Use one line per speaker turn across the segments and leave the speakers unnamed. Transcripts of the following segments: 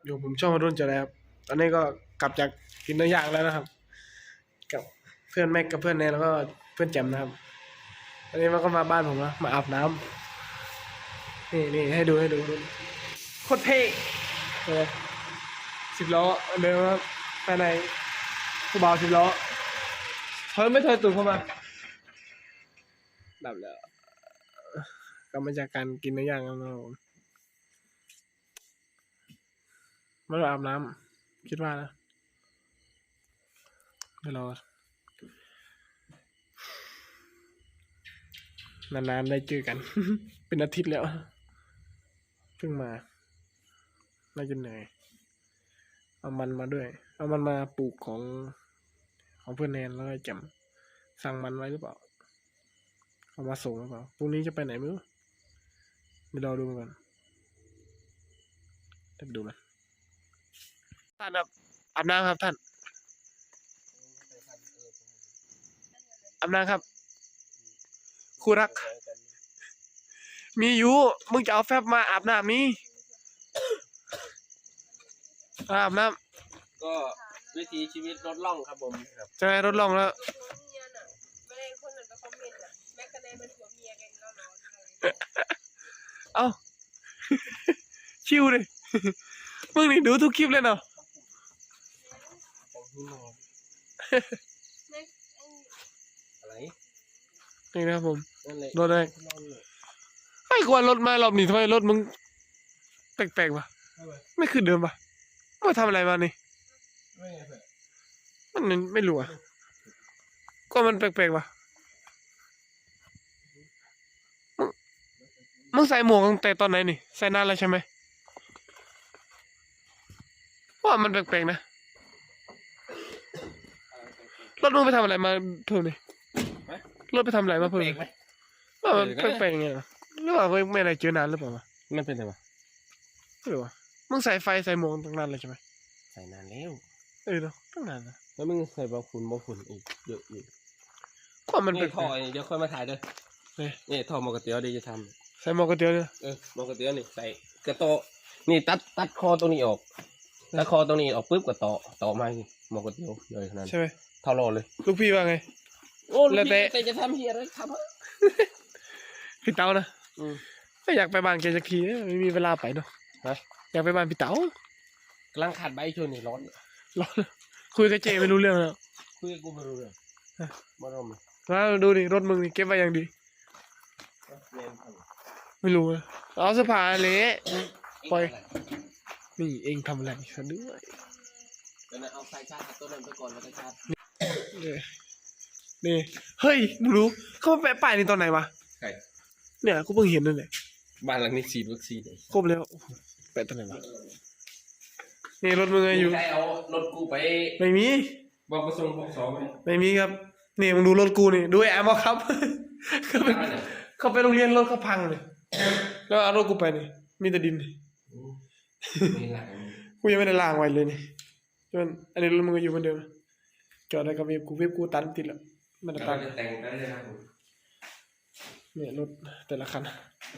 อยู่ผมช่องรุ่นจะแล้วตอนนี้ก็กลับจากกินเนื้อย่างแล้วนะครับกับเพื่อนแม็กกับเพื่อนเนยแล้วก็เพื่อนแจมนะครับตอนนี้มันก็มาบ้านผมแล้วมาอาบน้ำนี่ให้ดูโคตรเท่เลย10 ล้อเดินครับภายในผู้บ่าว10 ล้อไม่ถอยตูดเข้ามาดับแล้วกลับมาจากการกินเนื้อย่างแล้วนะครับมาอาบน้ำคิดว่านะเดี๋ยวรอนานๆได้เจอกัน เป็นอาทิตย์แล้วเพิ่งมาน่าจะเหนื่อยเอามันมาด้วยเอามันมาปลูกของเพื่อนแนนแล้วก็แจมสั่งมันไว้หรือเปล่าเอามาส่งหรือเปล่าพรุ่งนี้จะไปไหนไม่รู้ไม่รอดูกันเดี๋ยวดูมันท่านครับอาบน้ำครับท่านอาบน้ำครับคู่รักมีอยู่มึงจะเอาแฟบมาอาบน้ำนี่อาบน้
ำก็วิถีชีวิตรถล่องครับผม
ใช่รถล่องแล้วเอ้าชิวเลยมึงนี่ดูทุกคลิปเลยเนาะ
อะไร
นี่นะครับผมรถอะไรไอ้กว่ารถมารอบนี้ทำไมรถมึงแปลกๆวะไม่คือเดิมวะมาทำอะไรมานี่มันไม่รู้อ่ะก็มันแปลกๆวะมึงใส่หมวกตั้งแต่ตอนไหนนี่ใส่นานแล้วใช่ไหมว่ามันแปลกๆนะรถมึงไปทำอะไรมาเพิ่มนี่รถไปทำอะไรมาเพิ่มว่ามันแปลกๆไงหรือว่าไม่อะไรเจอนานหรือเปล่าวะ
มันเป็นไงวะ
ไม่รู้วะมึงใส่ไฟใส่หมวกตั้งนานเลยใช่ไหม
ใส่นานแล้ว
เนาะตั้งนานนะ
แล้วมึงใส่บอฝุ่นอีกเยอะอยู่
ก็มันเป็น
ท่อเดี๋ยวค่อยมาถ่ายด้วยนี่ท่อมอกระเตียวดีจะท
ำใส่หมวกกระเตียวเนี่ย
มอกระเตียวนี่ใส่กระโตนี่ตัดคอตรงนี้ออกตัดคอตรงนี้ออกปุ๊บก็ต่อมาหมอกระเตียวเลยขนาด
ใช่ไหม
เท่าโลเลย
ลูกพี่ว่าไง
โอ้แล้วแต่จะทำเฮียอะไรทำ
พี่เต๋านะไม่อยากไปบ้านแกสักทีไม่มีเวลาไปเนาะอยากไปบ้านพี่เต๋าก
ำลังขาดใบช่วงนี้ร้อน
คุยกับเจไม่รู้เรื่องแล้ว
คุยกับกูไม่รู้เรื่องมาลม
มาดูดิรถมึงนี่เก็บไว้อย่างดีไม่รู้เอาเสื้อผ้าเละปล่อยนี่เองทำอะไรซะด้วย
เอาไฟชาร์จตัวนั้นไปก่อนแล้วก็ชาร์จ
นี่เฮ้ยมึงรู้เขาแปะป้ายนี่ตอนไหนวะ
ใช่
เนี่ยกูเพิ่งเห็นนั่นแหละ
บ้านหลังนี้ฉีดวัคซีน
ครบแล้วแปะตอนไหนวะนี่รถมึงอยู่
ใครเอารถกูไป
ไม่มี
บอกประสงค์บอกสอง
ไม่มีครับนี่มึงดูรถกูนี่ดูแอมเอาครับเขาไปโรงเรียนรถเขาพังเลยแล้วเอารถกูไปนี่มีแต่ดินกูยังไม่ได้ล้างไว้เลยนี่จนอันนี้รถมึงอยู่เหมือนเดิมจอดได้กับเว็บกูตันติดแล้วมันจะตัน
แต่งได้เลยครับผม
เนี่ยรถแต่ละคัน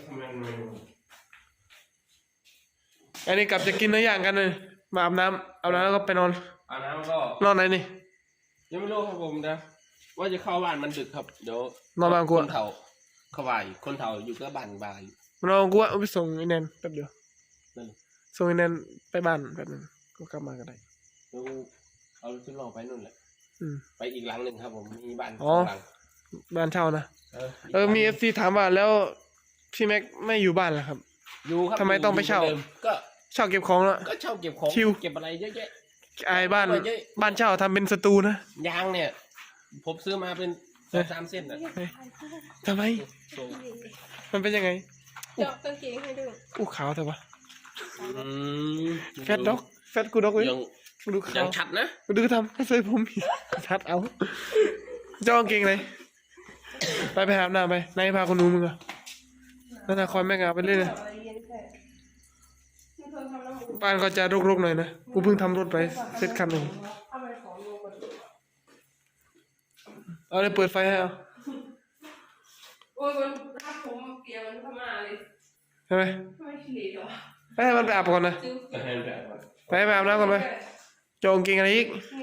อันนี้กลับจะกินเนื้อย่างกันเลยมาอาบน้ำแล้วก็ไปนอน
อาบน้ำก็
นอนไหนนี่
ยังไม่รู้ครับผมนะว่าจะเข้าบ้านมันดึกครับเดี๋ยวน
อนบ้านกู
คนเฒ่าเขาบ่ายคนเฒ่าอยู่ก็บ้านบ่าย
นอนกูว่าไปส่งไอ้แนนแป๊บเดียวส่งไอ้แนนไปบ้านแป๊บนึงก็กลับมาก็ได้
เอาชุดลองไปนู่นแหละไปอีกหลังหนึ่งครับผมมีบ้านหลัง
บ้านเช่านะมีFCถามว่าแล้วพี่แม็กไม่อยู่บ้านเหรอครับ
อยู่ครับ
ทำไมต้องไปเช่า
ก็
เช่าเก็บของแล้ว
ก็เช่าเก็บของเก็บอะไรเยอะแยะ
ไอ้บ้านเช่าทำเป็นสตูนะ
ยางเนี่ยผมซื้อมาเป็น3 เส้นนะ
ทำไมมันเป็นยังไง
เจาะกางเกงให้ดู
ขาวแต่ว่าแฟตด็อกแฟตกูด็อกเลย
ดูขาวชัดนะ
ดูทำให้ใส่ผมชัดเอาเจ้ากางเกงเลยไปหาหน้าไปนายพาคนนู้นมึงอะนั่นนะคอยแม่งเอาไปเล่นเลยบ้านก็จะรกๆหน่อยนะกูเพิ่งทำรถไปเสร็จคันหนึ่งเอาเลยเปิดไฟให้เอา
โอ้ยมันถ้าผมเปียกมันพม่าเลย
ใช่ไหม
ไม่ชิลิหรอ
ให้มันไปอาบก่อนนะ
จิ้ว
ก็ให้มันแบบว่า
ไปอาบน้ำก่อนไปโจงกินอะไรอีก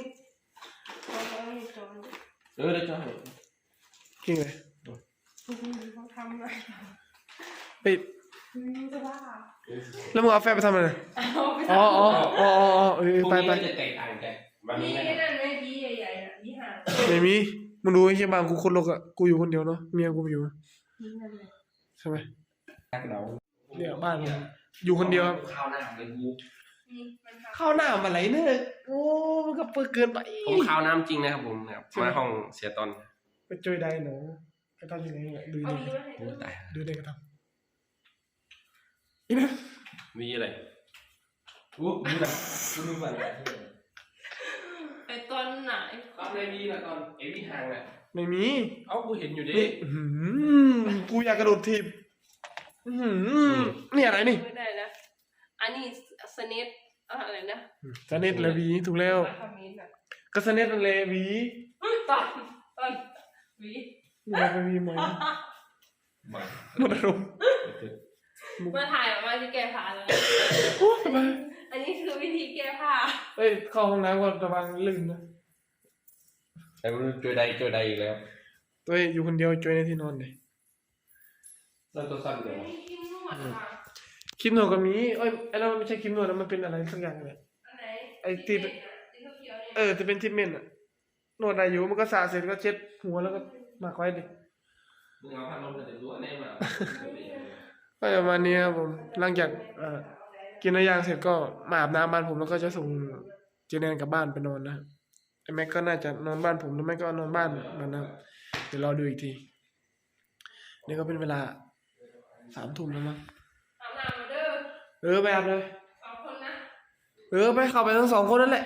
เดี๋ยวจะให้
กินเลย
เขาทำอะไร
ไป
จะบ้า
แล้วมึงเอาแฟบไปทำอะไร
เอาไป
อ๋ออ๋ออ๋ออ๋อเออ
พรุ่ง
ไป
นี้
ไป
มันจะแตกต่างกันวัน
นี่
นี้นะ
นั่นไม่ดีใหญ่ๆน่ะนี่ห่าง
ไม่มีมึงดูไอ้เชี่ยบางกูคนโลกอะกูอยู่คนเดียวเนาะเมียกูไม่อยู่
นี่นั่นเลย
ใช่ไหม
เรา
เนี่ยบ้านผมอยู่คนเดียวครับ
ข้าวหน้าเลยกู
นี่มันทำ
ข้าวหน้ามาไหลเนี่ยโอ้มันก็เปิดเกินไป
ผมข้าวน้ำจริงนะครับผมนะครับมาห้องเสียตอน
ไปจอยได้เนาะไปทำยังไงเนี่ยดู
เอา
นี่
ดีมาให้
โอ้
ดู
ตาย
ดูได้ก็ทำอีนะ
มีอะไรอู้ดูนะดูมัน
ไอตอนไหน
ตอนในมีละตอนเอวี่ห่างอ่ะ
ไม่มี
เอ้ากูเห็นอยู่ดิ
นี่อื้อหือกูอยากกระโดดทีบอื้อหือนี่อะไรนี่
ไม่ได้นะอันนี้สเนตอะไรนะ
สเน็ตและหวีถูกแล้ว
มาคอมเมนต์อ่ะ
ก็สเน็ตนั่นแหละหวี
ตอนวี
นี่เราไปหวีไหม
มา
หมดอารมณ์
มาถ่ายออกมาจะแก้ผ้าแล้ว
โอ้ยทำไม
อันนี้คือวิธีแก้ผ้า
เอ้ยเข้าห้องน้ำก่อนระวังลื่นนะ
แต่มันเจอใดอีกแล้ว
ตัวเองอยู่คนเดียวจอยในที่นอนเลย
เริ่มตัวสั้นเลย
กินนวดค่ะ
คลิปหนวดก็มีเอ้ยไอ้เราไม่ใช่คลิปหนวดนะมันเป็นอะไรสักอย่างเลย
อันไหน
ไอ้ที่
ที่เขียวๆเนี่ย
จะเป็นทิปเมนต์อะนวดได้อยู่มันก็สระเสร็จก็เช็ดหัวแล้วก็มาไว้ดิ
มึงเอาพัดลมมาแต่รู้อันไหนมา
ก็ประมาณนี้ครับผมหลังจากกินอะไรอย่างเสร็จก็มาอาบน้ำบ้านผมแล้วก็จะส่งเจเนนกลับบ้านไปนอนนะครับไอ้แม็กก็น่าจะนอนบ้านผมหรือไม่ก็นอนบ้านมันนะครับเดี๋ยวรอดูอีกทีนี่ก็เป็นเวลา3 ทุ่มแล้วมั้ง
อาบน้ำมาเด้อ
ไปอาบเลย
2 คนนะ
ไปเข้าไปทั้ง2 คนนั่นแหละ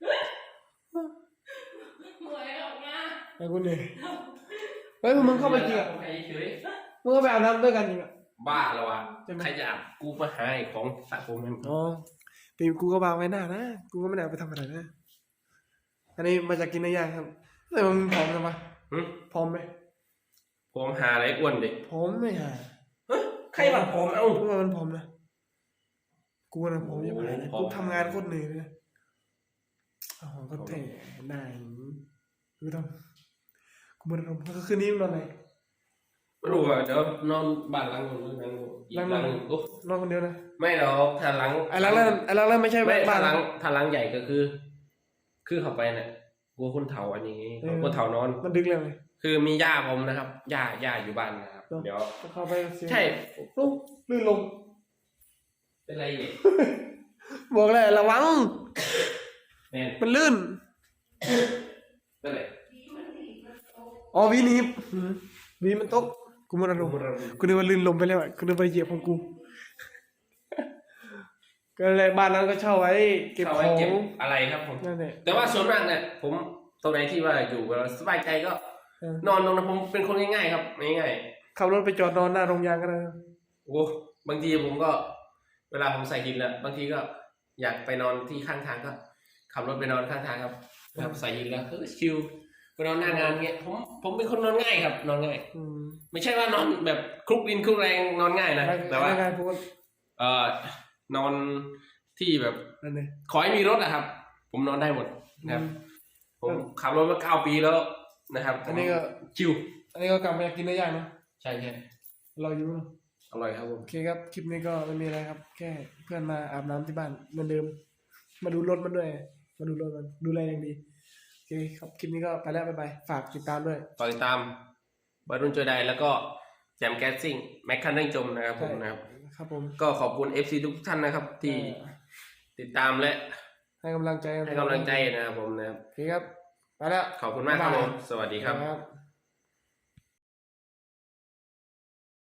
หมวยออกมา
ไอ้คนนี้เฮ้ยพวกมึงเข้าไปจริงอ่ะ
ไปเฉย
มึงก็ไปอาบน้ำด้วยกันจริงอ่ะ
บ้าแล้ววะ
ใช่ไหม
ใครจะอาบกูมาหาไอ้ของสระผมให้มึง
อ๋อปีกูก็วางไว้หน้านะกูก็ไม่ได้เอาไปทำอะไรนะอันนี้มาจากกินอะไรอย่างครับแต่มึงพร้อมใช่ปะ
หึ
พร้อมไหม
ผมหาอะไรอ้วนดิ
พร้อมไม่หา
ใครมาผมเอ้า
กูว่ามันพร้อมนะกูนะพร้อมจะไปนะ
พร้อม
กูทำงานโคตรเหนื่อยเลยนะอ๋อก็เท่ได้กูทำกูมันทำก็คืนนี้มึงนอนไหน
ไม่รู้อ่ะเดี๋ยวนอนบ้านหลังนู้นหลังนู้นอีกหลังนึงโอ้
นอนคนเดียวนะ
ไม่หรอกถ้าหลัง
ไอ้หลังนั้นไม่ใช่
ไม่
บ้า
ถ้าน หลังถ้าหลังใหญ่ก็คือ คือเข้าไปเนี่ยกลัวคนเฒ่าอันนี้กลัวเฒ่านอน
มันดึกเลยไหม
คือมีย่าผมนะครับย่าอยู่บ้านนะครับ
เนอะ
เดี๋ยว
ก็เข้าไปเสียง
ใช่
ลูกลื่นลง
เป็นไรเนี่ย
บอกเลยระวัง
แม่น
มันลื่น
เป็นไร
อ๋อวีหนีบวีมันตกกูมันอารมณ์กูนึกว่าลื่นลมไปแล้วอ่ะกูนึกว่าเหยียบของกู ก็เลยบ้านนั้นก็เช่าไว้เก็บ
เอา
ข
ไว้
อง
เก็บอะไรครับผม
นั่นแหละ
แต่ว่าส่วนมากเนี่ยผมตรงไหนที่ว่าอยู่เราสบายใจก็
เออน
อนตรงนั้นผมเป็นคนง่ายๆครับง่าย
ขับรถไปจอดนอนหน้าโรงยางก็ได้นะ
ๆโอ้บางทีผมก็ เวลาผมใส่หินแล้วบางทีก็อยากไปนอนที่ข้างทางก็ขับรถไปนอนข้างทางครับใส่หินแล้วชิลไปนอนหน้างานเงี้ยผมเป็นคนนอนง่ายครับ นอนง่าย
อืม
ไม่ใช่ว่านอนแบบคลุกดินคลุกแรงนอนง่ายนะแต่ว่า
ไม่พูด
นอนที่แบบ
นั่นเลย
ขอให้มีรถนะครับ ผมนอนได้หมดนะครับ
อืม
ผมขับรถมา9 ปีแล้วนะครับ
อันนี้ก็
ชิว
อันนี้ก็กลับมาอยากกินเนื้อย่างเนาะ
ใช่ใช่
เราอยู่เนอะ
อร่อยครับผม
โอเคครับคลิปนี้ก็ไม่มีอะไรครับ แค่เพื่อนมาอาบน้ำที่บ้านเหมือนเดิม มาดูรถมันด้วย มาดูรถมันดูแลอย่างดีโอเคครับคลิปนี้ก็ไปแล้วบ๊ายบายฝากติดตามด้วย
ต่อติดตามบอลรุ่นเจอใดแล้วก็แจมแก๊สซิ่งแม็กคันเร่งจมนะครับผมนะครับ
ครับผม
ก็ขอบคุณ FC ทุกท่านนะครับ ที่ติดตามและ
ให้กำลังใจ
ให้กำลังใจนะครับผมนะครับ
โอเคครับไปแล้ว
ขอบคุณมากครับผม สวัสดีครับ
ครับ